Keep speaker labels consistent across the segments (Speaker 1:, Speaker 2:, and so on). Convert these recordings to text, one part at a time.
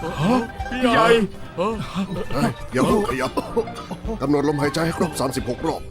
Speaker 1: พี่ใหญ่
Speaker 2: อย่าเพิ่งขยับกำหนดลมหายใจให้ครบ36 รอบ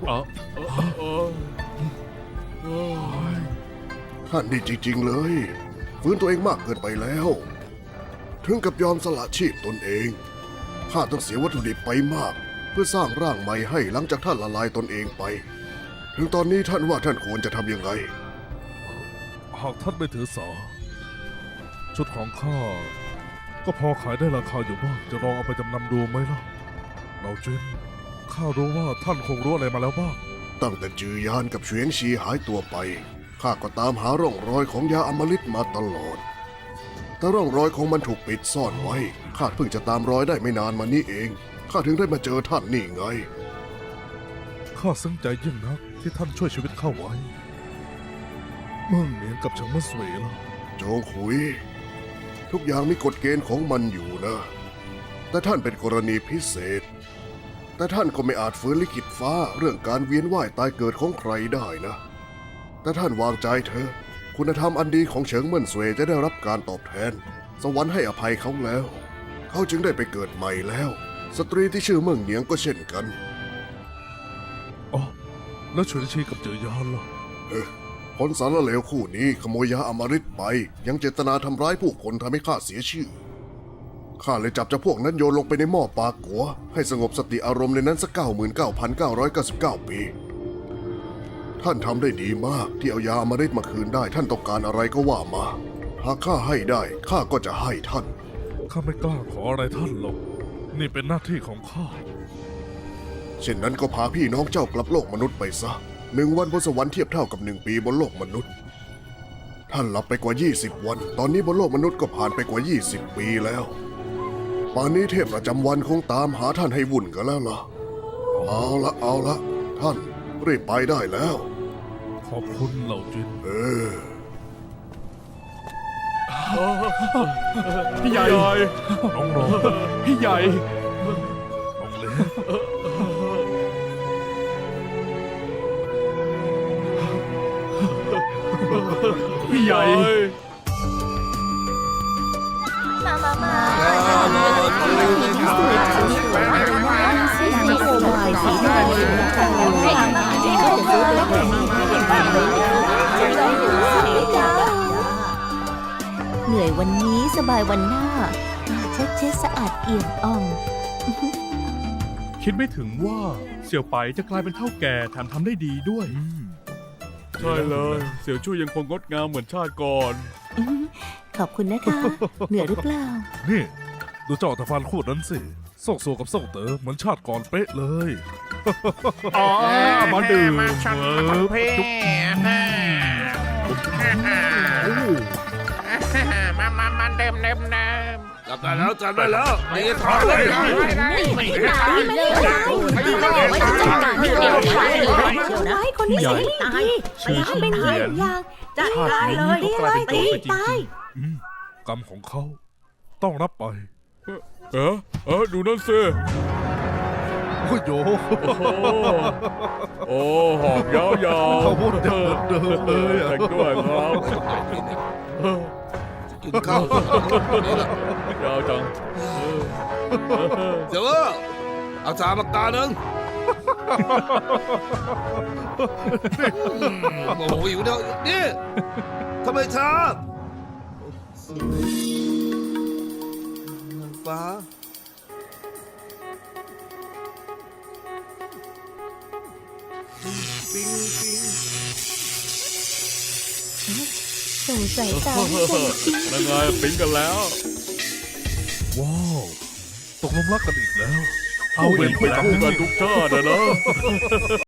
Speaker 2: ท่านนี่จริงๆเลยฟื้นตัวเองมากเกินไปแล้วถึงกับยอมสละชีพตนเองข้าต้องเสียวัตถุดิบไปมากเพื่อสร้างร่างใหม่ให้หลังจากท่านละลายตนเองไปถึงตอนนี้ท่านว่าท่านควรจะทำยังไง
Speaker 3: หากท่านไม่ถือสาชุดของข้าก็พอขายได้ราคาอยู่บ้างจะลองเอาไปจำนำดูไหมล่ะเราจินข้ารู้ว่าท่านคงรู้อะไรมาแล้วบ้าง
Speaker 2: ตั้งแต่จือยานกับเฉวียงชีหายตัวไปข้าก็ตามหาร่องรอยของยาอมฤตมาตลอดแต่ร่องรอยของมันถูกปิดซ่อนไว้ข้าเพิ่งจะตามรอยได้ไม่นานมานี้เองข้าถึงได้มาเจอท่านนี่ไง
Speaker 3: ข้าซึ้งใจยิ่งนักที่ท่านช่วยชีวิตข้าไว้เมื่อเหนียนกับเฉิงเมื่อสวยล่ะ
Speaker 2: โจงขุยทุกอย่างมีกฎเกณฑ์ของมันอยู่นะแต่ท่านเป็นกรณีพิเศษแต่ท่านก็ไม่อาจฝืนลิขิตฟ้าเรื่องการเวียนว่ายตายเกิดของใครได้นะแต่ท่านวางใจเถอะคุณธรรมอันดีของเฉิงเมิ่นเสวยจะได้รับการตอบแทนสวรรค์ให้อภัยเขาแล้วเขาจึงได้ไปเกิดใหม่แล้วสตรีที่ชื่อเมิ่งเหนียงก็เช่นกัน
Speaker 3: อ๋อแล้วเฉินชีกับเจือยานล่ะ
Speaker 2: คนสารเลวคู่นี้ขโมยยาอมฤตไปยังเจตนาทำร้ายผู้คนทำให้ข้าเสียชื่อข้าเลยจับเจ้าพวกนั้นโยนลงไปในหม้อปลากัวให้สงบสติอารมณ์ในนั้นสัก99,999 ปีท่านทำได้ดีมากที่เอายาอมฤตมาคืนได้ท่านต้องการอะไรก็ว่ามาหากข้าให้ได้ข้าก็จะให้ท่าน
Speaker 3: ข้าไม่กล้าขออะไรท่านหรอกนี่เป็นหน้าที่ของข้า
Speaker 2: เช่นนั้นก็พาพี่น้องเจ้ากลับโลกมนุษย์ไปซะ1 วันบนสวรรค์เทียบเท่ากับ1 ปีบนโลกมนุษย์ท่านหลับไปกว่า20 วันตอนนี้บนโลกมนุษย์ก็ผ่านไปกว่า20 ปีแล้วป่านนี้เทพประจำวันคงตามหาท่านให้วุ่นกันแล้วล่ะเอาละท่านรีบไปได้แล้ว
Speaker 3: ขอบคุณเหล่าจิน
Speaker 1: พี่ใหญ่
Speaker 3: น้องรอง
Speaker 1: พี่ใหญ่
Speaker 3: น้องเล็ก
Speaker 1: พี่ใหญ่
Speaker 4: มาสีโคบายสีแดงเหนื่อยวันนี้สบายวันหน้าเช็ดสะอาดเอี่ยมอ่อง
Speaker 1: คิดไม่ถึงว่าเสี่ยวไปจะกลายเป็นเท่าแก่แถมทำได้ดีด้วยใช่เลยเสี่ยวชู่ยังคงงดงามเหมือนชาติก่อน
Speaker 4: ขอบคุณนะคะเหนื่อยหรือเปล่า
Speaker 3: นี่ดูเจ้าตะฟานคู่นั้นสิส่งโซกับส่งเต๋อเหมือนชาติก่อนเป๊ะเลย
Speaker 1: อ๋อมาดื่ม
Speaker 5: เพ่มาเดิมจับได้แล้วนี่ถอดเลย
Speaker 4: ไม่คนนี้สิตายเป็นหายอย่างจัดการเลยตีตาย
Speaker 3: กรรมของเขาต้องรับไป
Speaker 1: ดูนั่นสิ
Speaker 3: โอ้โย
Speaker 1: โอ้หอกยาว
Speaker 3: เขาพูดเดินเลย
Speaker 1: แต่งด้วยครับ
Speaker 5: กินข้าวย
Speaker 1: าวจัง
Speaker 5: เจ้าเอาจานปากกาหนึ่งโอ้โหอยู่เดียวนี่ทำไมช้าฟ้าปิ๊ง
Speaker 4: ส่งสายตาให้กัน
Speaker 1: นั่นไงปิ๊งกันแล้ว
Speaker 3: ว้าวตกลงรักกันอีกแล้ว
Speaker 1: เอาเห็นไปทำกันทุกชาตินะ